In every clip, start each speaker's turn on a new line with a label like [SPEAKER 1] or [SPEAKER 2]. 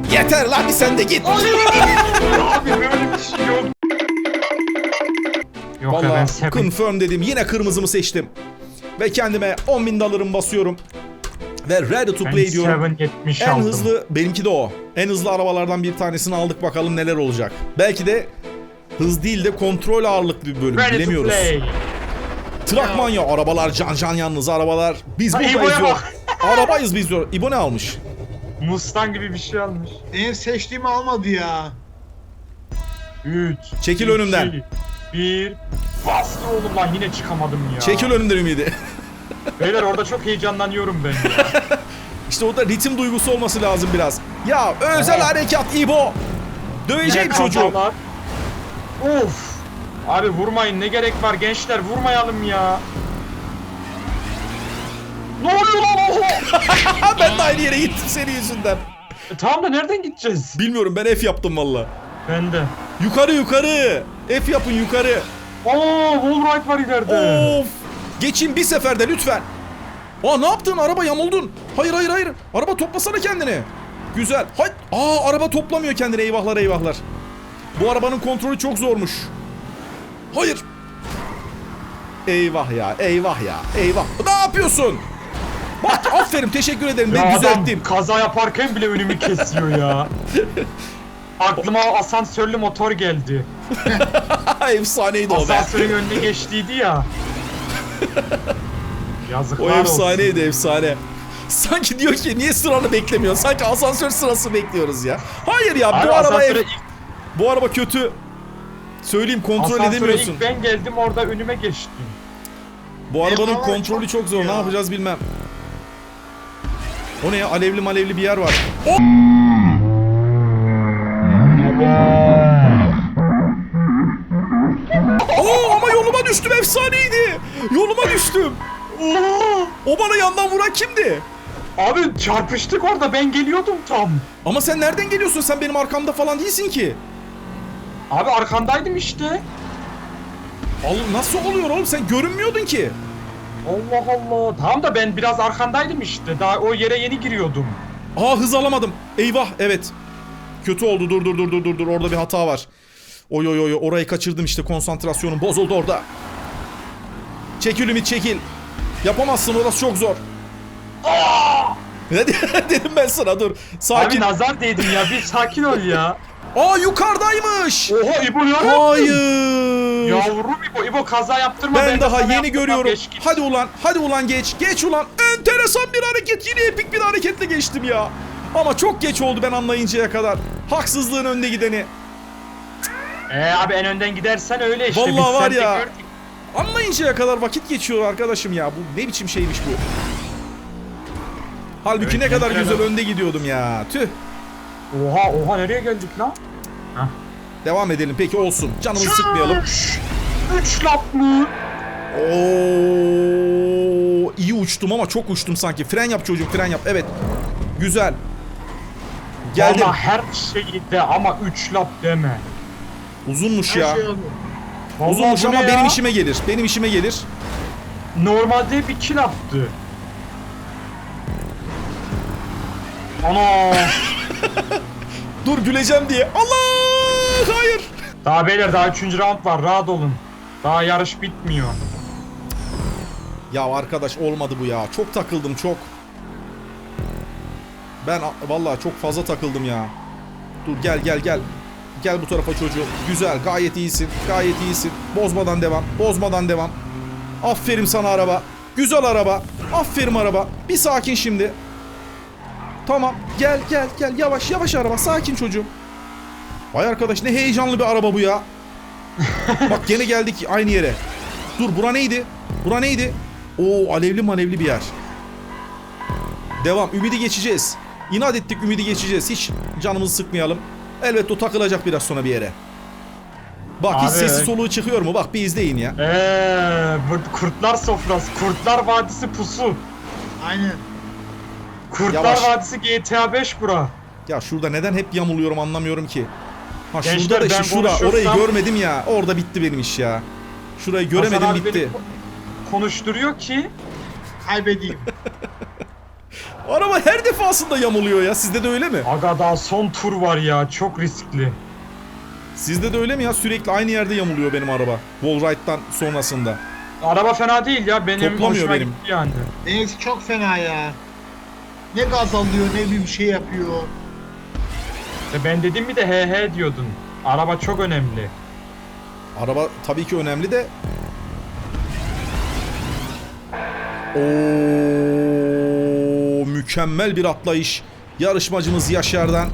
[SPEAKER 1] Yeter lan bir sen de git.
[SPEAKER 2] Abi böyle bir şey yok. Yok ya ben
[SPEAKER 1] Vallahi
[SPEAKER 2] seven.
[SPEAKER 1] confirm dedim. Yine kırmızımı seçtim. Ve kendime 10.000 dolarımı basıyorum. Ve ready to
[SPEAKER 2] Ben
[SPEAKER 1] play diyorum.
[SPEAKER 2] 770
[SPEAKER 1] En
[SPEAKER 2] aldım.
[SPEAKER 1] hızlı, benimki de o. En hızlı arabalardan bir tanesini aldık, bakalım neler olacak. Belki de hız değil de kontrol ağırlıklı bir bölüm,
[SPEAKER 2] Ready to
[SPEAKER 1] bilemiyoruz.
[SPEAKER 2] play.
[SPEAKER 1] Trakman ya, arabalar can yalnız arabalar. Biz
[SPEAKER 2] Ha,
[SPEAKER 1] buradayız
[SPEAKER 2] İbo'ya
[SPEAKER 1] diyor.
[SPEAKER 2] bak.
[SPEAKER 1] Arabayız biz diyor. İbo ne almış?
[SPEAKER 2] Mustang gibi bir şey almış.
[SPEAKER 3] Benim seçtiğimi almadı ya.
[SPEAKER 2] 3.
[SPEAKER 1] Çekil önümden.
[SPEAKER 2] 1. Bastı oğlum lan yine çıkamadım ya.
[SPEAKER 1] Çekil önümden Ümidi.
[SPEAKER 2] Beyler orada çok heyecanlanıyorum ben ya.
[SPEAKER 1] İşte orada ritim duygusu olması lazım biraz. Ya özel
[SPEAKER 2] Evet.
[SPEAKER 1] harekat İbo. Döveceğim
[SPEAKER 2] Ne
[SPEAKER 1] çocuğu.
[SPEAKER 2] kafalar. Of. Abi vurmayın, ne gerek var gençler, vurmayalım ya. Ne oluyor lan oho?
[SPEAKER 1] Ben de aynı yere gittim senin yüzünden.
[SPEAKER 2] Tamam da nereden gideceğiz?
[SPEAKER 1] Bilmiyorum, ben F yaptım valla.
[SPEAKER 2] Ben de.
[SPEAKER 1] Yukarı. F yapın yukarı.
[SPEAKER 2] Aa, wallride var ileride.
[SPEAKER 1] Of. Geçin bir seferde lütfen. Aa, ne yaptın? Araba yamuldun. Hayır. Araba toplasana kendini. Güzel. Hay. Aa, araba toplamıyor kendini. Eyvahlar. Bu arabanın kontrolü çok zormuş. Hayır. Eyvah ya. Ne yapıyorsun? Bak, aferin, teşekkür ederim.
[SPEAKER 2] Ya
[SPEAKER 1] Ben
[SPEAKER 2] adam
[SPEAKER 1] düzelttim.
[SPEAKER 2] kaza yaparken bile önümü kesiyor ya. Aklıma asansörlü motor geldi.
[SPEAKER 1] Efsaneydi o be.
[SPEAKER 2] Asansörün önüne geçtiydi ya. Yazıklar
[SPEAKER 1] O
[SPEAKER 2] olsun.
[SPEAKER 1] efsaneydi, efsane. Sanki diyor ki niye sıranı beklemiyorsun? Sanki asansör sırası bekliyoruz ya. Hayır ya,
[SPEAKER 2] Abi
[SPEAKER 1] bu araba
[SPEAKER 2] asansöre ilk,
[SPEAKER 1] bu araba kötü. Söyleyeyim, kontrol
[SPEAKER 2] asansöre
[SPEAKER 1] edemiyorsun.
[SPEAKER 2] ilk ben geldim, orada önüme geçti.
[SPEAKER 1] Bu arabanın
[SPEAKER 3] Eyvallah,
[SPEAKER 1] kontrolü çok zor.
[SPEAKER 3] ya.
[SPEAKER 1] Ne yapacağız bilmem. O ne ya? Alevli bir yer var. Oo, ama yoluma düştüm, efsaneydi. Yoluma düştüm. O bana yandan vuran kimdi?
[SPEAKER 2] Abi çarpıştık orada, ben geliyordum tam.
[SPEAKER 1] Ama sen nereden geliyorsun? Sen benim arkamda falan değilsin ki.
[SPEAKER 2] Abi arkandaydım işte.
[SPEAKER 1] Nasıl oluyor oğlum? Sen görünmüyordun ki.
[SPEAKER 2] Allah Allah. Tamam da ben biraz arkandaydım işte. Daha o yere yeni giriyordum.
[SPEAKER 1] Aa, hız alamadım. Eyvah, evet. Kötü oldu. Dur. Orada bir hata var. Oy. Orayı kaçırdım işte. Konsantrasyonum bozuldu orada. Çekil Ümit, çekil. Yapamazsın, orası çok zor. Ne dedim ben sana, dur. Sakin.
[SPEAKER 2] Abi nazar değdin ya, bir sakin ol ya.
[SPEAKER 1] Aa, yukarıdaymış.
[SPEAKER 2] Oha İbo ya.
[SPEAKER 1] Hayır.
[SPEAKER 2] Yavrum İbo kaza yaptırma.
[SPEAKER 1] Ben daha
[SPEAKER 2] sana
[SPEAKER 1] yeni
[SPEAKER 2] yaptırmam,
[SPEAKER 1] görüyorum.
[SPEAKER 2] geç git.
[SPEAKER 1] Hadi ulan geç ulan. Enteresan bir hareket. Yine epik bir hareketle geçtim ya. Ama çok geç oldu ben anlayıncaya kadar. Haksızlığın önde gideni.
[SPEAKER 2] Abi en önden gidersen öyle işte.
[SPEAKER 1] Vallahi
[SPEAKER 2] Biz
[SPEAKER 1] var
[SPEAKER 2] seninle
[SPEAKER 1] ya.
[SPEAKER 2] gördük.
[SPEAKER 1] Anlayıncaya kadar vakit geçiyor arkadaşım ya. Bu ne biçim şeymiş bu. Halbuki
[SPEAKER 2] Evet,
[SPEAKER 1] ne kadar
[SPEAKER 2] evet.
[SPEAKER 1] güzel önde gidiyordum ya. Tüh.
[SPEAKER 2] Oha nereye geldik lan?
[SPEAKER 1] Devam edelim peki, olsun. Canımızı sıkmayalım.
[SPEAKER 2] 3 lap mı?
[SPEAKER 1] Oo, iyi uçtum ama çok uçtum sanki. Fren yap çocuğum, fren yap. Evet. Güzel. Geldim.
[SPEAKER 2] Valla her şeyi de ama 3 lap deme.
[SPEAKER 1] Uzunmuş
[SPEAKER 3] Her
[SPEAKER 1] ya.
[SPEAKER 3] şey oldu.
[SPEAKER 2] Vallahi
[SPEAKER 1] Uzunmuş
[SPEAKER 2] bu
[SPEAKER 1] ama
[SPEAKER 2] ne
[SPEAKER 1] benim
[SPEAKER 2] ya?
[SPEAKER 1] işime gelir. Benim işime gelir.
[SPEAKER 2] Normalde hep 2 laptı. Ana.
[SPEAKER 1] Dur, güleceğim diye. Allah! Hayır.
[SPEAKER 2] Daha beyler, daha 3. round var, rahat olun. Daha yarış bitmiyor.
[SPEAKER 1] Ya arkadaş, olmadı bu ya. Çok takıldım, çok. Ben vallahi çok fazla takıldım ya. Dur, gel. Gel bu tarafa çocuğum. Güzel, gayet iyisin. Bozmadan devam. Aferin sana araba. Güzel araba. Aferin araba. Bir sakin şimdi. Tamam. Gel. Yavaş araba. Sakin çocuğum. Vay arkadaş, ne heyecanlı bir araba bu ya. Bak gene geldik aynı yere. Dur, bura neydi? Oo, alevli bir yer. Devam. Ümidi geçeceğiz. İnat ettik, Ümidi geçeceğiz. Hiç canımızı sıkmayalım. Elbette o takılacak biraz sonra bir yere. Bak hiç
[SPEAKER 2] Abi.
[SPEAKER 1] sesi soluğu çıkıyor mu? Bak bir izleyin ya.
[SPEAKER 2] Bu kurtlar sofrası, Kurtlar Vadisi pusu.
[SPEAKER 3] Aynen.
[SPEAKER 2] Kurtlar
[SPEAKER 1] Yavaş.
[SPEAKER 2] Vadisi GTA 5 bura.
[SPEAKER 1] Ya şurada neden hep yamuluyorum anlamıyorum ki. Ha,
[SPEAKER 2] Gençler,
[SPEAKER 1] şurada da işte
[SPEAKER 2] ben
[SPEAKER 1] şura.
[SPEAKER 2] konuşursam-
[SPEAKER 1] Orayı görmedim ya. Orada bitti benim iş ya. Şurayı göremedim,
[SPEAKER 2] Hasan abi
[SPEAKER 1] bitti.
[SPEAKER 2] beni konuşturuyor ki
[SPEAKER 3] Kaybedeyim.
[SPEAKER 1] Araba her defasında yamuluyor ya. Sizde de öyle mi?
[SPEAKER 2] Aga daha son tur var ya, çok riskli.
[SPEAKER 1] Sizde de öyle mi ya? Sürekli aynı yerde yamuluyor benim araba. Wallride'dan sonrasında.
[SPEAKER 2] Araba fena değil ya, benim
[SPEAKER 1] Toplamıyor
[SPEAKER 2] hoşuma
[SPEAKER 1] benim.
[SPEAKER 2] gitti yani.
[SPEAKER 3] Benimki çok fena ya. Ne gaz alıyor ne bir şey yapıyor.
[SPEAKER 2] İşte ben dedim mi de he diyordun. Araba çok önemli.
[SPEAKER 1] Araba tabii ki önemli de. Oo, mükemmel bir atlayış. Yarışmacımız Yaşar'dan.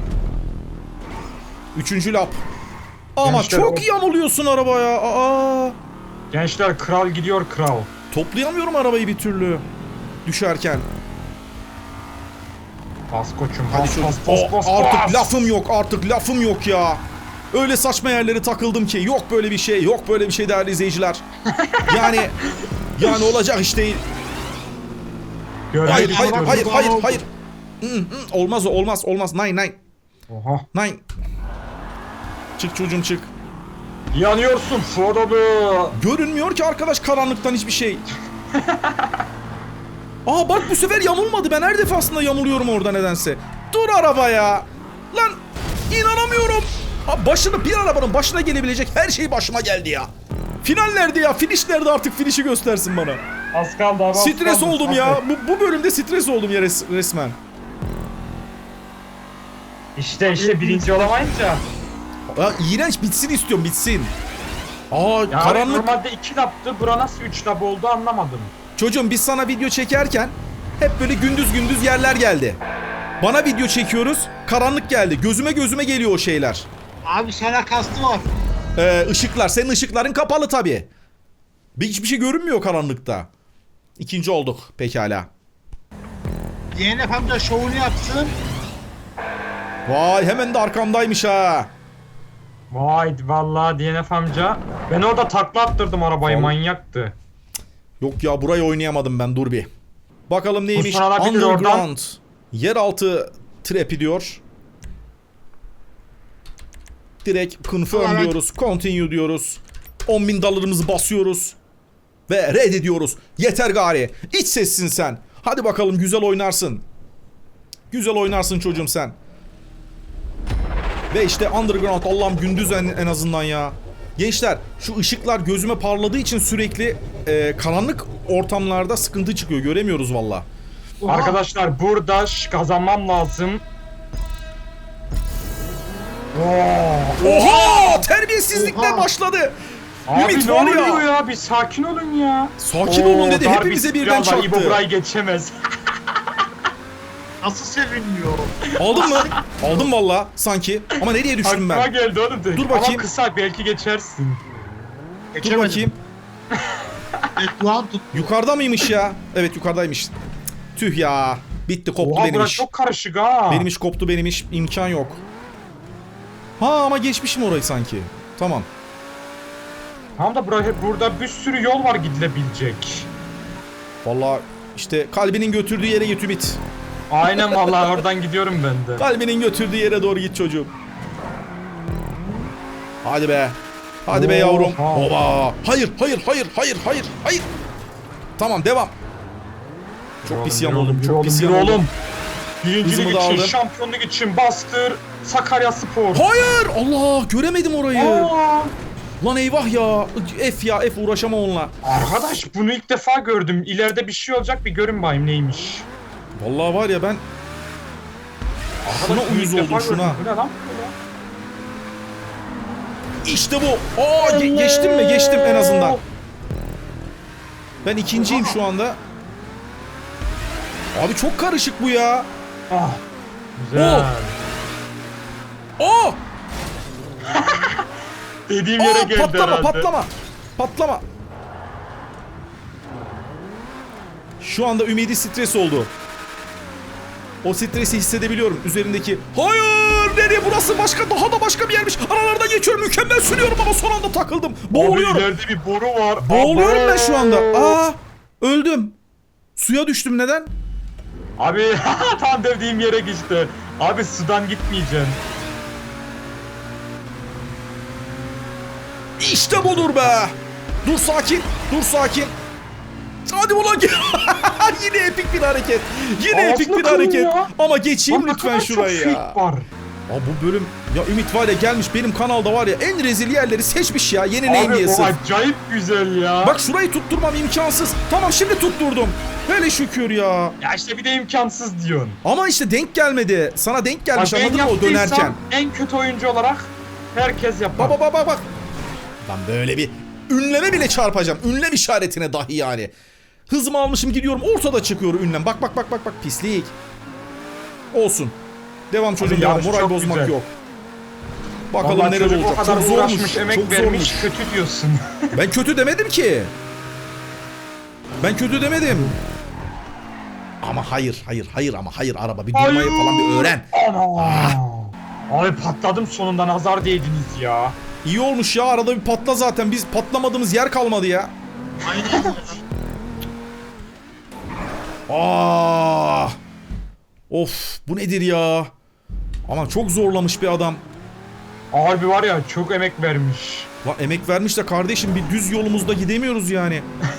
[SPEAKER 1] 3. lap. Ama
[SPEAKER 2] Gençler,
[SPEAKER 1] çok yamuluyorsun arabaya. Aa,
[SPEAKER 2] Gençler, kral gidiyor, kral.
[SPEAKER 1] toplayamıyorum arabayı bir türlü. Düşerken.
[SPEAKER 2] Bas koçum,
[SPEAKER 1] Hadi
[SPEAKER 2] bas
[SPEAKER 1] çocuk.
[SPEAKER 2] bas bas bas.
[SPEAKER 1] Artık
[SPEAKER 2] bas.
[SPEAKER 1] lafım yok, artık lafım yok ya. Öyle saçma yerlere takıldım ki yok böyle bir şey, yok böyle bir şey değerli izleyiciler. Yani olacak iş değil. Hayır,
[SPEAKER 2] Görev
[SPEAKER 1] hayır,
[SPEAKER 2] çocuk.
[SPEAKER 1] hayır, hayır, hayır. Olmaz o, olmaz. Nine.
[SPEAKER 2] Oha.
[SPEAKER 1] Nine. Çık çocuğum çık.
[SPEAKER 2] Yanıyorsun Frodo.
[SPEAKER 1] Görünmüyor ki arkadaş karanlıktan hiçbir şey. Aa bak bu sefer yamulmadı. Ben her defasında yamuluyorum orada nedense. Dur araba ya. Lan inanamıyorum. Bir arabanın başına gelebilecek her şey başıma geldi ya. Final nerede ya? Finish nerede, artık finish'i göstersin bana.
[SPEAKER 2] Az kaldı abi. az
[SPEAKER 1] Stres
[SPEAKER 2] kaldı.
[SPEAKER 1] oldum ya. Bu bölümde stres oldum ya resmen.
[SPEAKER 2] İşte birinci olamayınca.
[SPEAKER 1] Ya iğrenç, bitsin istiyorum, bitsin. Aa
[SPEAKER 2] Ya
[SPEAKER 1] karanlık.
[SPEAKER 2] normalde 2 laptı. Bura nasıl 3 lap oldu anlamadım.
[SPEAKER 1] Çocuğum biz sana video çekerken hep böyle gündüz yerler geldi. Bana video çekiyoruz, karanlık geldi. Gözüme geliyor o şeyler.
[SPEAKER 3] Abi sana kastı var.
[SPEAKER 1] Işıklar, senin ışıkların kapalı tabii. Hiçbir şey görünmüyor karanlıkta. 2. olduk pekala.
[SPEAKER 3] DNF amca şovunu yapsın.
[SPEAKER 1] Vay hemen de arkamdaymış ha.
[SPEAKER 2] Vay vallahi DNF amca. Ben orada takla attırdım arabayı,
[SPEAKER 1] Vallahi-
[SPEAKER 2] manyaktı.
[SPEAKER 1] Yok ya burayı oynayamadım ben, dur bir. Bakalım neymiş?
[SPEAKER 2] Kurşun alabilir
[SPEAKER 1] Underground. Yeraltı trapi diyor. Direkt confirm
[SPEAKER 3] Evet.
[SPEAKER 1] diyoruz. Continue diyoruz. 10.000 dolarımızı basıyoruz. Ve reddediyoruz. Yeter gari. İç sessin sen. Hadi bakalım güzel oynarsın. Güzel oynarsın çocuğum sen. Ve işte Underground, Allah'ım gündüz en azından ya. Gençler şu ışıklar gözüme parladığı için sürekli karanlık ortamlarda sıkıntı çıkıyor. Göremiyoruz valla.
[SPEAKER 3] Oha.
[SPEAKER 2] Arkadaşlar burada kazanmam lazım.
[SPEAKER 1] Oha! Terbiyesizlikler
[SPEAKER 3] Oha!
[SPEAKER 1] başladı.
[SPEAKER 2] Abi
[SPEAKER 1] Ümit
[SPEAKER 2] ne
[SPEAKER 1] var
[SPEAKER 2] oluyor
[SPEAKER 1] ya.
[SPEAKER 2] ya? Bir sakin olun ya.
[SPEAKER 1] Sakin olun dedi.
[SPEAKER 2] dar
[SPEAKER 1] Hepimize
[SPEAKER 2] bir
[SPEAKER 1] birden
[SPEAKER 2] spiral var, İbo
[SPEAKER 1] çarptı.
[SPEAKER 2] burayı geçemez.
[SPEAKER 3] Nasıl sevinmiyor?
[SPEAKER 1] Aldın mı? Aldım valla sanki. Ama nereye düştüm
[SPEAKER 2] Aklıma
[SPEAKER 1] ben?
[SPEAKER 2] geldi oğlum de.
[SPEAKER 1] Dur bakayım.
[SPEAKER 2] Ama kısa, belki geçersin.
[SPEAKER 1] Dur bakayım.
[SPEAKER 3] Kulağım tut.
[SPEAKER 1] Yukarıda mıymış ya? Evet yukarıdaymış. Tüh ya. Bitti, koptu
[SPEAKER 2] Oha
[SPEAKER 1] benim
[SPEAKER 2] burası
[SPEAKER 1] iş.
[SPEAKER 2] çok karışık ha.
[SPEAKER 1] Benim iş koptu, benim iş. İmkan yok. Ha ama geçmişim orayı sanki. Tamam.
[SPEAKER 2] Tam da burada bir sürü yol var gidilebilecek.
[SPEAKER 1] Valla işte kalbinin götürdüğü yere git Ümit.
[SPEAKER 2] Aynen vallahi oradan gidiyorum ben de.
[SPEAKER 1] Kalbinin götürdüğü yere doğru git çocuğum. Hadi be. Hadi be yavrum.
[SPEAKER 2] Oha.
[SPEAKER 1] Oba. Hayır. Tamam devam. Çok pis yamuldum. Çok pis yamuldum.
[SPEAKER 2] oğlum. Birincilik
[SPEAKER 1] Hızımı da
[SPEAKER 2] için,
[SPEAKER 1] aldım.
[SPEAKER 2] şampiyonluk için bastır. Sakarya Spor.
[SPEAKER 1] Hayır. Allah göremedim orayı.
[SPEAKER 2] Aa,
[SPEAKER 1] Lan eyvah ya. F uğraşamam onunla.
[SPEAKER 2] arkadaş bunu ilk defa gördüm. İleride bir şey olacak, bir görün bayım neymiş.
[SPEAKER 1] Vallahi var ya ben şuna
[SPEAKER 2] Arkadaş, bunu
[SPEAKER 1] uyuz
[SPEAKER 2] ilk defa
[SPEAKER 1] oldum şuna.
[SPEAKER 2] gördüm. Bu ne lan böyle?
[SPEAKER 1] İşte bu. Aa geçtim mi? Geçtim en azından. Ben ikinciyim şu anda. Abi çok karışık bu ya.
[SPEAKER 2] Ah. Güzel.
[SPEAKER 1] Aa!
[SPEAKER 2] Dediğim yere
[SPEAKER 1] Aa
[SPEAKER 2] geldi
[SPEAKER 1] patlama
[SPEAKER 2] herhalde.
[SPEAKER 1] patlama. Şu anda ümidi stres oldu. O stresi hissedebiliyorum üzerindeki. Hayır! Nereye, burası başka, daha da başka bir yermiş. Aralardan geçiyorum, mükemmel sürüyorum ama son anda takıldım. Boğuluyorum.
[SPEAKER 2] Abi ileride bir boru var.
[SPEAKER 1] Boğuluyorum ben şu anda.
[SPEAKER 2] Abo.
[SPEAKER 1] Aa! Öldüm. Suya düştüm, neden?
[SPEAKER 2] Abi tam dediğim yere geçti. Abi sudan gitmeyeceksin.
[SPEAKER 1] İşte budur be. Dur sakin. Hadi ulan gel. Yine epik bir hareket. Yine
[SPEAKER 2] Ağzına
[SPEAKER 1] epik bir
[SPEAKER 2] kırın
[SPEAKER 1] hareket.
[SPEAKER 2] ya.
[SPEAKER 1] Ama geçeyim
[SPEAKER 2] Lan ne
[SPEAKER 1] lütfen
[SPEAKER 2] kadar çok
[SPEAKER 1] şurayı ya.
[SPEAKER 2] fake var.
[SPEAKER 1] Aa, bu bölüm ya Ümit var ya gelmiş benim kanalda var ya en rezil yerleri seçmiş ya yenileyim
[SPEAKER 2] Abi
[SPEAKER 1] diye
[SPEAKER 2] o
[SPEAKER 1] sırf.
[SPEAKER 2] acayip güzel ya.
[SPEAKER 1] Bak şurayı tutturmam imkansız. Tamam şimdi tutturdum. Hele şükür ya.
[SPEAKER 2] Ya işte bir de imkansız diyorsun.
[SPEAKER 1] Ama işte denk gelmedi. Sana denk gelmiş
[SPEAKER 2] Bak ben
[SPEAKER 1] anladın mı o
[SPEAKER 2] yaptıysam
[SPEAKER 1] dönerken.
[SPEAKER 2] en kötü oyuncu olarak herkes yapar.
[SPEAKER 1] Bak. Lan böyle bir ünleme bile çarpacağım. Ünlem işaretine dahi yani. Hızımı almışım gidiyorum ortada çıkıyor ünlem. Bak pislik. Olsun. Devam çocuğum devam.
[SPEAKER 2] yarış
[SPEAKER 1] Moral
[SPEAKER 2] çok
[SPEAKER 1] bozmak
[SPEAKER 2] güzel.
[SPEAKER 1] yok. Bakalım
[SPEAKER 2] Vallahi
[SPEAKER 1] neler
[SPEAKER 2] çocuk
[SPEAKER 1] olacak.
[SPEAKER 2] o kadar
[SPEAKER 1] Çok zormuş.
[SPEAKER 2] uğraşmış, emek
[SPEAKER 1] Çok
[SPEAKER 2] vermiş,
[SPEAKER 1] zormuş.
[SPEAKER 2] kötü diyorsun.
[SPEAKER 1] Ben kötü demedim ki. Ben kötü demedim. Ama hayır araba bir durmayı falan bir öğren.
[SPEAKER 2] Ana. Abi patladım sonunda, nazar değdiniz ya.
[SPEAKER 1] İyi olmuş ya arada bir patla zaten biz patlamadığımız yer kalmadı ya.
[SPEAKER 3] Aynen.
[SPEAKER 1] Of bu nedir ya? Ama çok zorlamış bir adam.
[SPEAKER 2] Abi var ya çok emek vermiş.
[SPEAKER 1] Lan emek vermiş de kardeşim bir düz yolumuzda gidemiyoruz yani.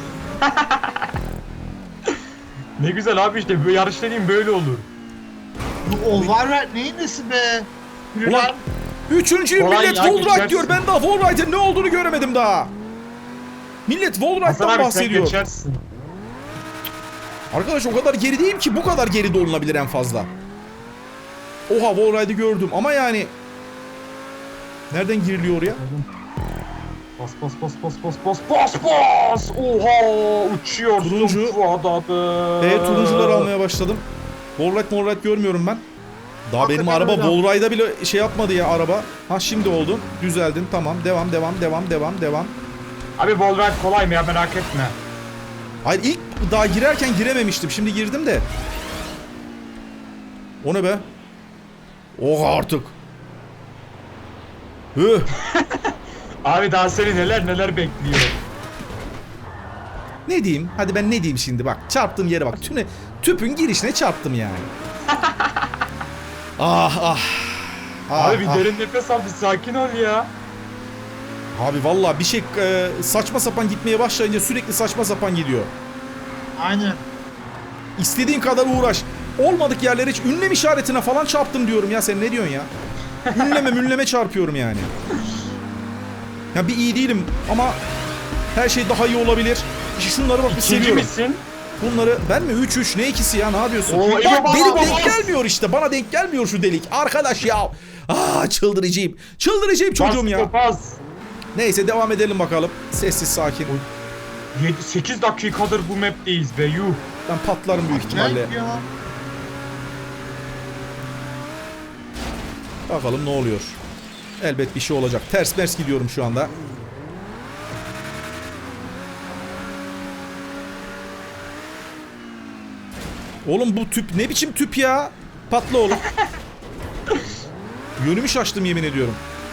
[SPEAKER 2] Ne güzel abi işte böyle yarış dediğim böyle olur.
[SPEAKER 3] Bu var ver neyin nesi be? Yürü
[SPEAKER 1] Ulan
[SPEAKER 3] lan.
[SPEAKER 1] üçüncüyü
[SPEAKER 2] Kolay
[SPEAKER 1] millet
[SPEAKER 2] ya,
[SPEAKER 1] Wallride
[SPEAKER 2] geçersin.
[SPEAKER 1] diyor. Ben daha Wallride'ın ne olduğunu göremedim daha. Millet
[SPEAKER 2] Hasan
[SPEAKER 1] Wallride'dan
[SPEAKER 2] abi sen
[SPEAKER 1] bahsediyor.
[SPEAKER 2] geçersin.
[SPEAKER 1] Arkadaş o kadar geri değilim ki bu kadar geri de olunabilir en fazla. Oha Wallride'ı gördüm ama yani... Nereden giriliyor oraya?
[SPEAKER 2] Bas. Oha uçuyorsun
[SPEAKER 1] Turuncu.
[SPEAKER 2] Fuat abi.
[SPEAKER 1] Turuncuları almaya başladım. Wallride görmüyorum ben. Daha
[SPEAKER 3] Hakikaten
[SPEAKER 1] benim araba
[SPEAKER 3] öyle.
[SPEAKER 1] Wallride'a bile şey yapmadı ya araba. Ha şimdi oldu. Düzeldin tamam. Devam.
[SPEAKER 2] Abi Wolverine kolay mı ya, merak etme.
[SPEAKER 1] Hayır ilk daha girerken girememiştim. Şimdi girdim de. O ne be? Oha artık. Hıh.
[SPEAKER 2] Abi daha seni neler bekliyor.
[SPEAKER 1] Ne diyeyim? Hadi ben ne diyeyim şimdi bak. Çarptığım yere bak. Tüpün girişine çarptım yani. Ah.
[SPEAKER 2] Abi bir derin nefes al, bir sakin ol ya.
[SPEAKER 1] Abi vallahi bir şey saçma sapan gitmeye başlayınca sürekli saçma sapan gidiyor.
[SPEAKER 3] Aynen.
[SPEAKER 1] İstediğin kadar uğraş. Olmadık yerlere hiç ünlem işaretine falan çarptım diyorum ya. Sen ne diyorsun ya? Ünleme çarpıyorum yani. Ya bir iyi değilim ama her şey daha iyi olabilir. İşte şunları bak bir
[SPEAKER 2] İkinci
[SPEAKER 1] seviyorum.
[SPEAKER 2] misin?
[SPEAKER 1] Bunları ben mi 3 ne ikisi ya ne yapıyorsun?
[SPEAKER 2] Oo,
[SPEAKER 1] Bak
[SPEAKER 2] bas,
[SPEAKER 1] benim
[SPEAKER 2] bas,
[SPEAKER 1] denk
[SPEAKER 2] bas.
[SPEAKER 1] gelmiyor işte. Bana denk gelmiyor şu delik. Arkadaş ya. Çıldıracağım. Çıldıracağım çocuğum ya.
[SPEAKER 2] Bas.
[SPEAKER 1] Neyse devam edelim bakalım. Sessiz sakin.
[SPEAKER 2] 8 dakikadır bu map'teyiz be yuh.
[SPEAKER 1] Ben patlarım büyük ihtimalle.
[SPEAKER 3] Acayip ya.
[SPEAKER 1] Bakalım ne oluyor. Elbet bir şey olacak. Ters mers gidiyorum şu anda. Oğlum bu tüp ne biçim tüp ya? Patla oğlum. Yönümü şaştım yemin ediyorum.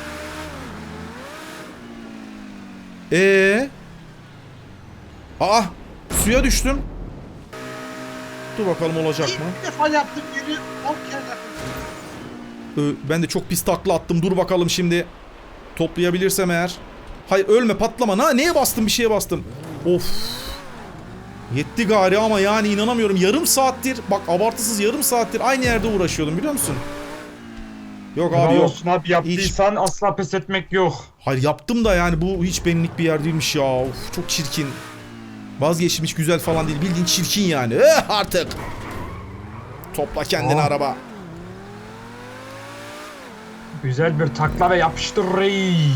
[SPEAKER 1] Suya düştüm. Dur bakalım olacak mı?
[SPEAKER 3] İlk defa yaptım yeri 10 kere yaptım.
[SPEAKER 1] Ben de çok pis takla attım. Dur bakalım şimdi. Toplayabilirsem eğer. Hayır ölme patlama. Neye bastım bir şeye bastım. Of. Yetti gari ama yani inanamıyorum. Yarım saattir bak abartısız yarım saattir aynı yerde uğraşıyordum biliyor musun? Yok abi
[SPEAKER 2] Bravo
[SPEAKER 1] yok.
[SPEAKER 2] olsun abi, yaptıysan asla pes etmek yok.
[SPEAKER 1] Hayır yaptım da yani bu hiç benlik bir yer değilmiş ya. Of çok çirkin. Vazgeçtim hiç güzel falan değil. Bildiğin çirkin yani. Artık. Topla kendini araba.
[SPEAKER 2] Güzel bir takla ve yapıştır reis.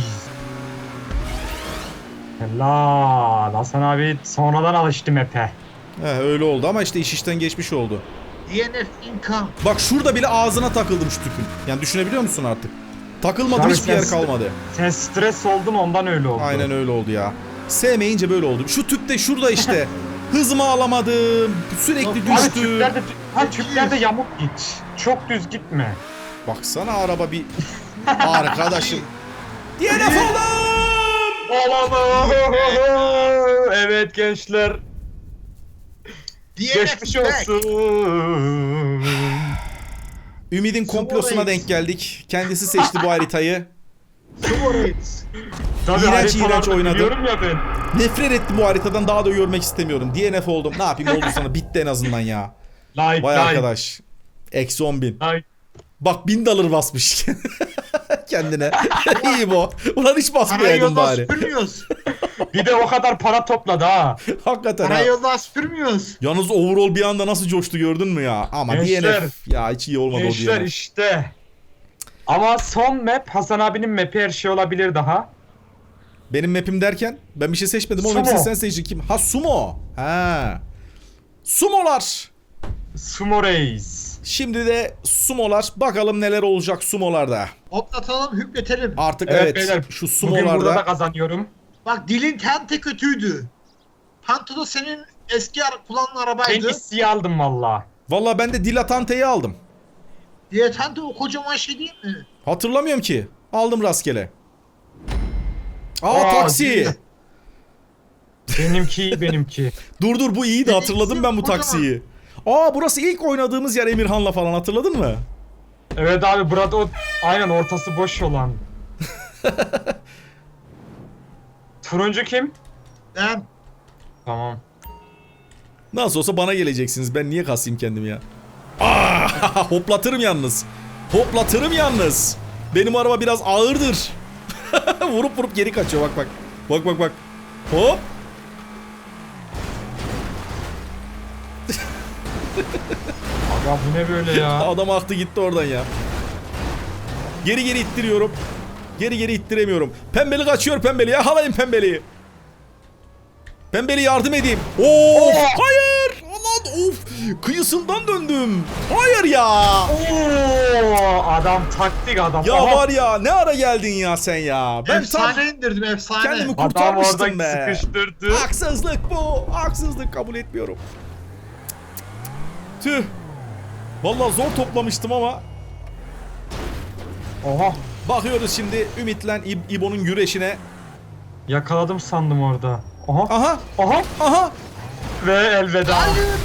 [SPEAKER 2] Helal. Hasan abi sonradan alıştı map'e.
[SPEAKER 1] Öyle oldu ama işte iş işten geçmiş oldu.
[SPEAKER 3] DNF income.
[SPEAKER 1] Bak şurada bile ağzına takıldım şu tüpün. Yani düşünebiliyor musun artık? Takılmadım
[SPEAKER 2] Abi
[SPEAKER 1] hiçbir yer
[SPEAKER 2] sen-
[SPEAKER 1] kalmadı.
[SPEAKER 2] Sen stres oldun, ondan öyle oldu.
[SPEAKER 1] Aynen öyle oldu ya. Sevmeyince böyle oldu. Şu tüpte şurada işte. Hızımı alamadım. Sürekli
[SPEAKER 3] Abi
[SPEAKER 2] Abi
[SPEAKER 1] düştüm.
[SPEAKER 2] tüplerde yamuk git. Çok düz gitme.
[SPEAKER 1] Baksana araba bir... Arkadaşım. DNF oldum!
[SPEAKER 2] Evet gençler.
[SPEAKER 3] DNF
[SPEAKER 2] Geçmiş
[SPEAKER 3] back.
[SPEAKER 1] Ümid'in komplosuna denk geldik. Kendisi seçti bu haritayı.
[SPEAKER 3] Sumo Reigns.
[SPEAKER 2] Tabii
[SPEAKER 1] İğrenç,
[SPEAKER 2] haritalarda
[SPEAKER 1] iğrenç oynadı.
[SPEAKER 2] biliyorum ya ben.
[SPEAKER 1] Nefret ettim bu haritadan, daha da görmek istemiyorum. DNF oldum. Ne yapayım, oldu sana, bitti en azından ya.
[SPEAKER 2] Like
[SPEAKER 1] Vay
[SPEAKER 2] like.
[SPEAKER 1] arkadaş. Eksi 10.000.
[SPEAKER 2] Like.
[SPEAKER 1] Bak 1000 dolar basmış kendine. İyi bu. Ulan hiç
[SPEAKER 3] Parayı
[SPEAKER 1] basmayaydın
[SPEAKER 3] yoldan
[SPEAKER 1] bari.
[SPEAKER 3] süpürmüyoruz.
[SPEAKER 2] Bir de o kadar para topladı ha.
[SPEAKER 1] Hakikaten ha.
[SPEAKER 3] Parayı yoldan süpürmüyoruz.
[SPEAKER 1] Yalnız overall bir anda nasıl coştu gördün mü ya? Ama
[SPEAKER 2] Gençler.
[SPEAKER 1] DNF ya hiç iyi olmadı o
[SPEAKER 2] Gençler
[SPEAKER 1] DNF.
[SPEAKER 2] işte. Ama son map Hasan abinin map'i, her şey olabilir daha.
[SPEAKER 1] Benim map'im derken ben bir şey seçmedim. O
[SPEAKER 2] Sumo.
[SPEAKER 1] hepsini sen seçtin. Kim? Ha sumo. Ha. Sumolar.
[SPEAKER 2] Sumo Reis.
[SPEAKER 1] Şimdi de sumolar. Bakalım neler olacak sumolarda.
[SPEAKER 3] Hoplatalım, hüpletelim.
[SPEAKER 1] Artık
[SPEAKER 2] Evet,
[SPEAKER 1] evet,
[SPEAKER 2] beyler,
[SPEAKER 1] şu
[SPEAKER 2] Bugün burada da
[SPEAKER 1] sumolarda.
[SPEAKER 2] kazanıyorum.
[SPEAKER 3] Bak dilin tente kötüydü. Panto da senin eski kullanılan
[SPEAKER 2] Ben
[SPEAKER 3] arabaydı.
[SPEAKER 2] isteği aldım valla.
[SPEAKER 1] Valla ben de dilatanteyi aldım.
[SPEAKER 3] Diye tente o kocaman şey değil mi?
[SPEAKER 1] Hatırlamıyorum ki. Aldım rastgele. Aa,
[SPEAKER 2] Aa,
[SPEAKER 1] taksi.
[SPEAKER 2] değil. Benimki.
[SPEAKER 1] Dur bu iyiydi, hatırladım ben bu
[SPEAKER 3] Kocaman.
[SPEAKER 1] taksiyi. Aa, burası ilk oynadığımız yer Emirhan'la falan, hatırladın mı?
[SPEAKER 2] Evet abi, burada o aynen ortası boş olan. Turuncu kim?
[SPEAKER 3] Ben
[SPEAKER 2] Tamam.
[SPEAKER 1] Nasıl olsa bana geleceksiniz. Ben niye kasayım kendimi ya? Aa, hoplatırım yalnız. Hoplatırım yalnız. Benim araba biraz ağırdır. vurup geri kaçıyor, bak bak. Bak. Hop.
[SPEAKER 2] Aga bu ne böyle ya?
[SPEAKER 1] Adam aktı gitti oradan ya. Geri ittiriyorum. Geri ittiremiyorum. Pembeli kaçıyor, pembeli. Yakalayın pembeliyi. Pembeli yardım edeyim. Of! Hayır! Aman of! Kıyısından döndüm. Hayır ya!
[SPEAKER 2] Oo, adam taktik adam.
[SPEAKER 1] Ya
[SPEAKER 2] Aha,
[SPEAKER 1] var ya, ne ara geldin ya sen ya? Ben
[SPEAKER 3] efsane indirdim, efsane.
[SPEAKER 1] kendimi
[SPEAKER 2] adam
[SPEAKER 1] kurtarmıştım
[SPEAKER 2] orada
[SPEAKER 1] be.
[SPEAKER 2] sıkıştırdı.
[SPEAKER 1] Haksızlık bu. Haksızlık, kabul etmiyorum. Tüh. Vallahi zor toplamıştım ama
[SPEAKER 2] Oha,
[SPEAKER 1] bakıyoruz şimdi Ümit'le İbo'nun güreşine.
[SPEAKER 2] yakaladım sandım orada. Aha,
[SPEAKER 1] Aha!
[SPEAKER 2] aha
[SPEAKER 1] Aha!
[SPEAKER 2] ve elveda.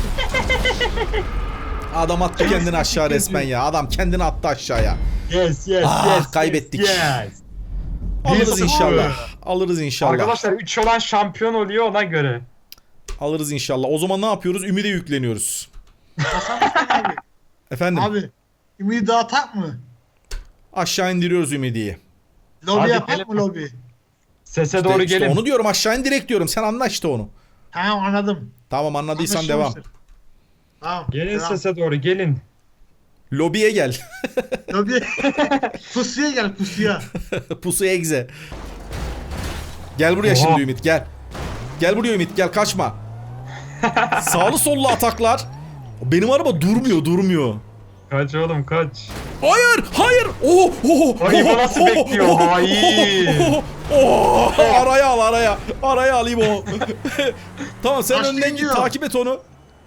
[SPEAKER 1] Adam attı kendini aşağı resmen ya. Adam kendini attı aşağıya.
[SPEAKER 2] Yes.
[SPEAKER 1] Kaybettik.
[SPEAKER 2] Yes.
[SPEAKER 1] Alırız
[SPEAKER 2] 1-0.
[SPEAKER 1] inşallah. Alırız inşallah.
[SPEAKER 2] Arkadaşlar 3 olan şampiyon oluyor, ona göre.
[SPEAKER 1] Alırız inşallah. O zaman ne yapıyoruz? Ümide yükleniyoruz.
[SPEAKER 3] Hasan Hasan abi.
[SPEAKER 1] Efendim?
[SPEAKER 3] Abi. Ümidi dağıtak mı?
[SPEAKER 1] Aşağı indiriyoruz Ümidi'yi.
[SPEAKER 3] Lobi
[SPEAKER 2] Hadi
[SPEAKER 3] yapak
[SPEAKER 2] gelin.
[SPEAKER 3] mı lobi?
[SPEAKER 2] Sese doğru
[SPEAKER 1] İşte
[SPEAKER 2] gelin.
[SPEAKER 1] onu diyorum, aşağı in direkt diyorum. Sen anla işte onu.
[SPEAKER 3] Tamam, anladım.
[SPEAKER 1] Tamam, anladıysan devam.
[SPEAKER 3] Anlaşılmıştır. Tamam.
[SPEAKER 2] Gelin
[SPEAKER 3] devam.
[SPEAKER 2] sese doğru gelin.
[SPEAKER 1] Lobiye gel.
[SPEAKER 3] Lobi. Pusuya gel, pusuya.
[SPEAKER 1] Pusu egze. Gel buraya
[SPEAKER 2] Oha.
[SPEAKER 1] şimdi Ümit, gel. Gel buraya Ümit, gel, kaçma. Sağlı sollu ataklar. Benim araba durmuyor.
[SPEAKER 2] Kaç oğlum kaç.
[SPEAKER 1] Hayır.
[SPEAKER 2] Ay, bu nasıl bekliyor? Hayır.
[SPEAKER 1] Araya al. Araya al İbo. Tamam, sen
[SPEAKER 3] Başka
[SPEAKER 1] önden git,
[SPEAKER 3] gidiyor.
[SPEAKER 1] takip et onu.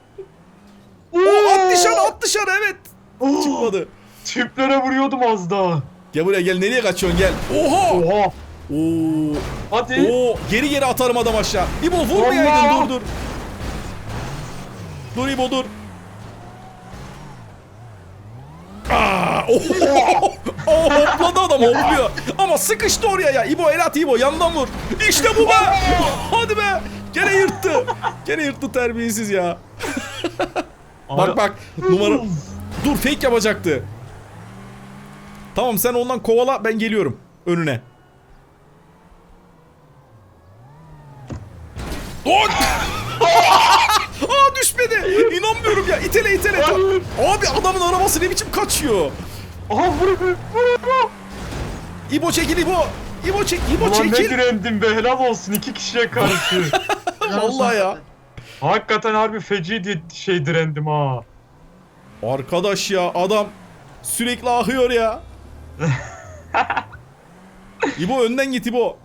[SPEAKER 1] At dışarı evet. Çıkmadı.
[SPEAKER 2] Tüplere vuruyordum az daha.
[SPEAKER 1] Gel buraya, gel, nereye kaçıyorsun, gel. Oha.
[SPEAKER 2] Oha.
[SPEAKER 1] Oo.
[SPEAKER 2] Hadi.
[SPEAKER 1] Oo, geri atarım adam aşağı. İbo vurmayaydın,
[SPEAKER 2] Allah.
[SPEAKER 1] dur. Dur İbo, dur. Hopladı adam, hopluyor. Ama sıkıştı oraya ya. İbo el at İbo, yandan vur. İşte bu be. Hadi be. Gene yırttı terbiyesiz ya. Bak numara. Dur, fake yapacaktı. Tamam, sen ondan kovala, ben geliyorum önüne. Düşmedi. İnanmıyorum ya. İtele. Abi adamın arabası ne biçim kaçıyor.
[SPEAKER 2] Aha vur.
[SPEAKER 1] İbo çekil İbo. İbo
[SPEAKER 2] Ulan ne
[SPEAKER 1] çekil.
[SPEAKER 2] direndim be, helal olsun 2 kişiye karşı.
[SPEAKER 1] Vallahi ya.
[SPEAKER 2] Hakikaten harbi feci direndim ha.
[SPEAKER 1] Arkadaş ya, adam sürekli ahıyor ya. İbo önden git İbo.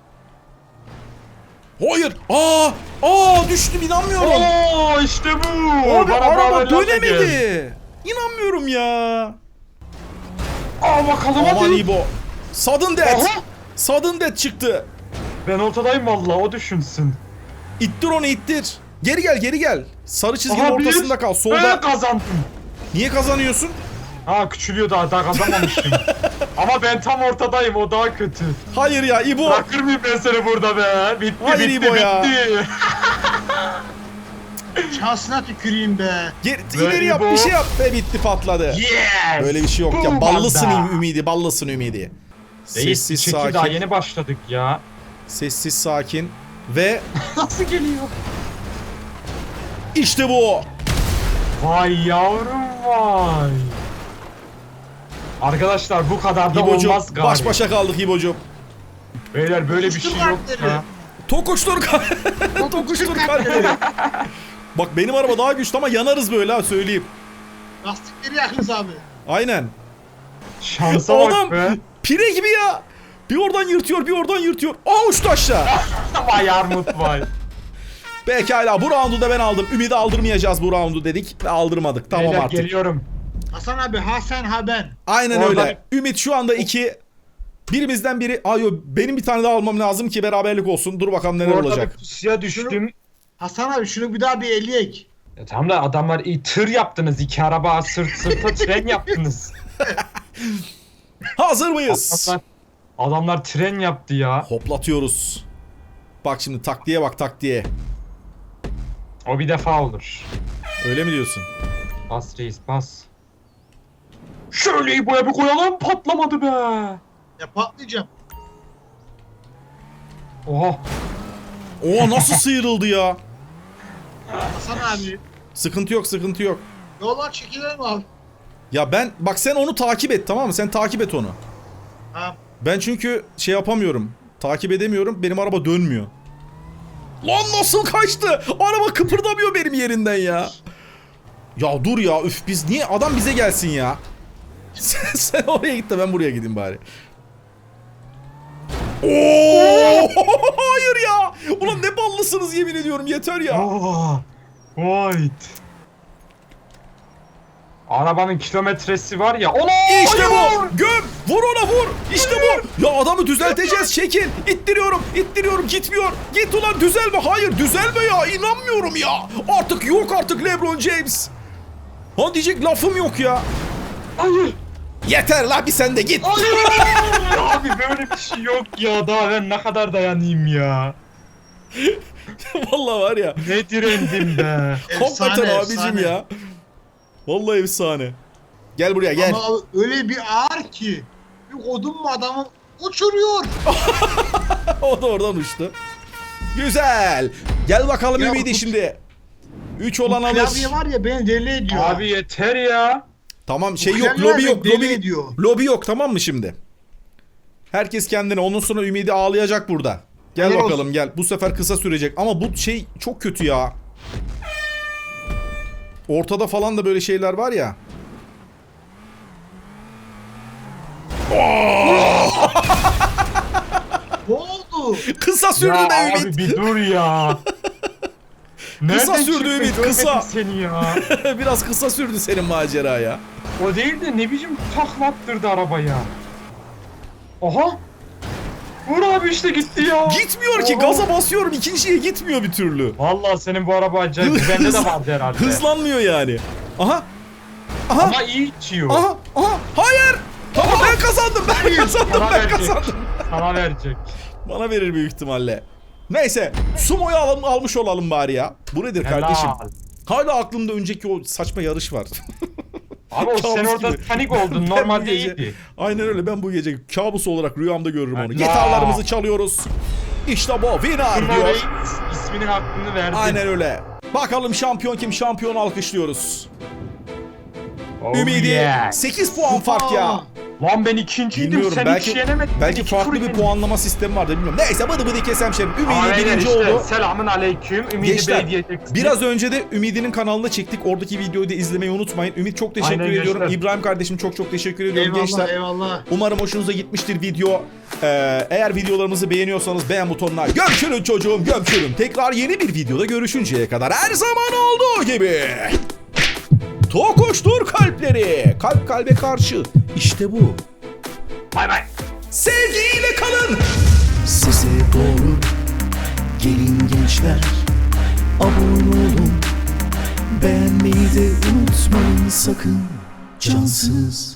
[SPEAKER 1] Hayır. Düştüm, inanmıyorum.
[SPEAKER 2] Oo işte bu.
[SPEAKER 1] Abi
[SPEAKER 2] Bana
[SPEAKER 1] araba
[SPEAKER 2] beraberlerle gel.
[SPEAKER 1] dönemedi. İnanmıyorum ya.
[SPEAKER 2] Bakalım
[SPEAKER 1] Aman
[SPEAKER 2] hadi.
[SPEAKER 1] İbo. Sudden death.
[SPEAKER 2] Aha.
[SPEAKER 1] Sudden death çıktı.
[SPEAKER 2] Ben ortadayım valla, o düşünsün.
[SPEAKER 1] İttir onu, ittir. Geri gel. Sarı çizginin
[SPEAKER 2] Aha,
[SPEAKER 1] ortasında kal.
[SPEAKER 2] Ben
[SPEAKER 1] Solda.
[SPEAKER 2] kazandım.
[SPEAKER 1] Niye kazanıyorsun?
[SPEAKER 2] Ha küçülüyor daha kazanmamışım. Ama ben tam ortadayım, o daha kötü.
[SPEAKER 1] Hayır ya İbo.
[SPEAKER 2] Bırakır mıyım ben seni burada be? Bitti
[SPEAKER 1] Hayır
[SPEAKER 2] bitti
[SPEAKER 1] İbo ya.
[SPEAKER 2] bitti.
[SPEAKER 3] Şansına tüküreyim be.
[SPEAKER 1] İleri yap,
[SPEAKER 2] İbo.
[SPEAKER 1] bir şey yap ve bitti, patladı.
[SPEAKER 2] Yes!
[SPEAKER 1] Böyle bir şey yok ya.
[SPEAKER 2] Boom
[SPEAKER 1] Ballısın
[SPEAKER 2] anda.
[SPEAKER 1] Ümidi, ballısın Ümidi.
[SPEAKER 2] Reis,
[SPEAKER 1] Sessiz
[SPEAKER 2] çekil,
[SPEAKER 1] sakin.
[SPEAKER 2] daha yeni başladık ya.
[SPEAKER 1] Sessiz sakin. Ve
[SPEAKER 2] Nasıl geliyor?
[SPEAKER 1] işte bu.
[SPEAKER 2] Vay yavrum vay. Arkadaşlar bu kadar da
[SPEAKER 1] İbo'cum
[SPEAKER 2] olmaz galiba.
[SPEAKER 1] baş başa kaldık İbo'cum.
[SPEAKER 2] Beyler böyle bir şey yok ya.
[SPEAKER 1] Tokuştur Tokuştur kalpleri. Bak benim araba daha güçlü ama yanarız böyle ha, söyleyeyim.
[SPEAKER 3] Lastikleri yakınız abi.
[SPEAKER 1] Aynen.
[SPEAKER 2] Şansa
[SPEAKER 1] Adam
[SPEAKER 2] bak be.
[SPEAKER 1] pire gibi ya. Bir oradan yırtıyor, bir oradan yırtıyor. Aa, uçtu aşağı.
[SPEAKER 2] Vay armut vay.
[SPEAKER 1] Pekala, bu roundu da ben aldım. Ümidi aldırmayacağız bu roundu dedik ve aldırmadık. Tamam
[SPEAKER 2] Beyler,
[SPEAKER 1] artık.
[SPEAKER 2] geliyorum.
[SPEAKER 3] Hasan abi ha sen ha ben.
[SPEAKER 1] Aynen
[SPEAKER 2] Oradan-
[SPEAKER 1] öyle. Ümit şu anda 2. Birimizden biri. Ayo, benim bir tane daha almam lazım ki beraberlik olsun. Dur bakalım neler
[SPEAKER 2] Orada
[SPEAKER 1] olacak.
[SPEAKER 2] bir pusuya düştüm.
[SPEAKER 3] Hasan abi şunu bir daha bir eleyek.
[SPEAKER 2] Ya tamam da adamlar iyi tır yaptınız. 2 araba sırt sırta tren yaptınız.
[SPEAKER 1] Hazır mıyız?
[SPEAKER 2] Adamlar tren yaptı ya.
[SPEAKER 1] Hoplatıyoruz. Bak şimdi taktiğe bak, taktiğe.
[SPEAKER 2] O bir defa olur.
[SPEAKER 1] Öyle mi diyorsun?
[SPEAKER 2] Bas reis bas. Şöyle İbo'ya bir koyalım, patlamadı be.
[SPEAKER 3] Ya patlayacağım.
[SPEAKER 2] Oha.
[SPEAKER 1] Oo, nasıl sıyrıldı ya?
[SPEAKER 3] Hasan abi.
[SPEAKER 1] Sıkıntı yok, sıkıntı yok.
[SPEAKER 3] Yollar çekilelim abi.
[SPEAKER 1] Ya ben bak, sen onu takip et, tamam mı? Sen takip et onu.
[SPEAKER 3] Ha.
[SPEAKER 1] Ben çünkü şey yapamıyorum. Takip edemiyorum. Benim araba dönmüyor. Lan nasıl kaçtı? Araba kıpırdamıyor benim yerinden ya. Ya dur ya, üf, biz niye, adam bize gelsin ya. Sen oraya git de ben buraya gideyim bari. Oo! Hayır ya. Ulan ne ballısınız, yemin ediyorum, yeter ya.
[SPEAKER 2] Aa, White. Arabanın kilometresi var ya. Ona
[SPEAKER 1] İşte bu. Göm. Vur ona, vur. İşte bu. Ya adamı düzelteceğiz. Çekil. İttiriyorum. İttiriyorum. Gitmiyor. Git ulan, düzelme. Hayır, düzelme ya. İnanmıyorum ya. Artık yok artık LeBron James. Ha, diyecek lafım yok ya.
[SPEAKER 2] Hayır.
[SPEAKER 1] Yeter la, bir sen de git.
[SPEAKER 2] Abi böyle bir şey yok ya. Daha ben ne kadar dayanayım ya.
[SPEAKER 1] Vallahi var ya.
[SPEAKER 2] Ne direndim be.
[SPEAKER 1] Hakikaten abicim
[SPEAKER 3] efsane.
[SPEAKER 1] ya. Vallahi efsane. Gel buraya, gel.
[SPEAKER 3] Ama öyle bir ağır ki. Bir kodum mu adamı uçuruyor.
[SPEAKER 1] O da oradan uçtu. Güzel. Gel bakalım
[SPEAKER 3] Ya
[SPEAKER 1] Ümidi
[SPEAKER 3] bu-
[SPEAKER 1] şimdi. 3 olan alır.
[SPEAKER 3] Klavye var ya beni deli ediyor.
[SPEAKER 2] Abi yeter ya.
[SPEAKER 1] Tamam, şey
[SPEAKER 3] Bu
[SPEAKER 1] yok,
[SPEAKER 3] klavye
[SPEAKER 1] lobi
[SPEAKER 3] beni
[SPEAKER 1] yok,
[SPEAKER 3] deli
[SPEAKER 1] lobi.
[SPEAKER 3] ediyor.
[SPEAKER 1] Lobi yok, tamam mı şimdi? Herkes kendine, ondan sonra Ümidi ağlayacak burada. Gel
[SPEAKER 3] Helal
[SPEAKER 1] bakalım
[SPEAKER 3] olsun.
[SPEAKER 1] gel. Bu sefer kısa sürecek ama bu şey çok kötü ya. Ortada falan da böyle şeyler var ya.
[SPEAKER 3] Ne oldu?
[SPEAKER 1] Kısa sürdü
[SPEAKER 2] Ya
[SPEAKER 1] be
[SPEAKER 2] abi
[SPEAKER 1] Ümit.
[SPEAKER 2] bir dur ya. Nereden
[SPEAKER 1] sürdü
[SPEAKER 2] çıktın?
[SPEAKER 1] Ümit,
[SPEAKER 2] Görmedim
[SPEAKER 1] kısa.
[SPEAKER 2] seni ya.
[SPEAKER 1] Biraz kısa sürdü senin macera ya.
[SPEAKER 2] O değil de ne biçim taklattırdı arabaya. Aha. Vur abi işte gitti ya.
[SPEAKER 1] Gitmiyor ki,
[SPEAKER 2] Oha.
[SPEAKER 1] gaza basıyorum, ikinciye gitmiyor bir türlü.
[SPEAKER 2] Vallahi senin bu araba acayip. Bende de vardı herhalde.
[SPEAKER 1] Hızlanmıyor yani. Aha. Aha.
[SPEAKER 2] Ama iyi içiyor.
[SPEAKER 1] Aha. Aha. Hayır. Tamam, ben kazandım. Ben kazandım.
[SPEAKER 2] Sana
[SPEAKER 1] Ben
[SPEAKER 2] verecek.
[SPEAKER 1] kazandım.
[SPEAKER 2] Sana verecek.
[SPEAKER 1] Bana verir büyük ihtimalle. Neyse. Sumo'yu almış olalım bari ya. Bu nedir
[SPEAKER 2] Helal.
[SPEAKER 1] kardeşim? Hala aklımda önceki o saçma yarış var.
[SPEAKER 2] Abi o sen
[SPEAKER 1] Kabus
[SPEAKER 2] orada
[SPEAKER 1] gibi.
[SPEAKER 2] panik oldun.
[SPEAKER 1] Ben bu
[SPEAKER 2] Normalde
[SPEAKER 1] gece-
[SPEAKER 2] iyiydi.
[SPEAKER 1] Aynen öyle, ben bu gece kabus olarak rüyamda görürüm onu.
[SPEAKER 2] Allah.
[SPEAKER 1] Gitarlarımızı çalıyoruz. İşte bu winner
[SPEAKER 2] Turnuvayı
[SPEAKER 1] diyor.
[SPEAKER 2] isminin hakkını verdi.
[SPEAKER 1] Aynen öyle. Bakalım şampiyon kim? Şampiyonu alkışlıyoruz.
[SPEAKER 2] Oh
[SPEAKER 1] Ümidi
[SPEAKER 2] yeah.
[SPEAKER 1] 8 puan fark ya.
[SPEAKER 3] Aa,
[SPEAKER 2] Lan ben ikinciydim.
[SPEAKER 1] Bilmiyorum,
[SPEAKER 2] Sen
[SPEAKER 1] belki
[SPEAKER 2] hiç yenemedin.
[SPEAKER 1] belki
[SPEAKER 2] İki
[SPEAKER 1] farklı
[SPEAKER 2] tur
[SPEAKER 1] bir
[SPEAKER 2] yendin.
[SPEAKER 1] puanlama sistemi vardı, bilmiyorum. Neyse, bıdı bıdı kesem şerim. Ümidi
[SPEAKER 2] Aynen
[SPEAKER 1] birinci
[SPEAKER 2] işte.
[SPEAKER 1] oldu.
[SPEAKER 2] Selamun aleyküm. Ümidi
[SPEAKER 1] Gençler,
[SPEAKER 2] Bey diyeceksin.
[SPEAKER 1] biraz önce de Ümidi'nin kanalına çektik. Oradaki videoyu da izlemeyi unutmayın. Ümit, çok teşekkür
[SPEAKER 2] Aynen
[SPEAKER 1] ediyorum.
[SPEAKER 2] gençler.
[SPEAKER 1] İbrahim kardeşim, çok teşekkür ediyorum
[SPEAKER 3] eyvallah
[SPEAKER 1] gençler.
[SPEAKER 3] eyvallah.
[SPEAKER 1] Umarım hoşunuza gitmiştir video. Eğer videolarımızı beğeniyorsanız beğen butonuna gömçürün çocuğum, gömçürün. Tekrar yeni bir videoda görüşünceye kadar her zaman olduğu gibi. Tokuştur kalpleri. Kalp kalbe karşı. İşte bu.
[SPEAKER 2] Bay bay.
[SPEAKER 1] Sevgiyle kalın.
[SPEAKER 4] Size doğru gelin gençler, abone olun, beğenmeyi de unutmayın sakın. cansız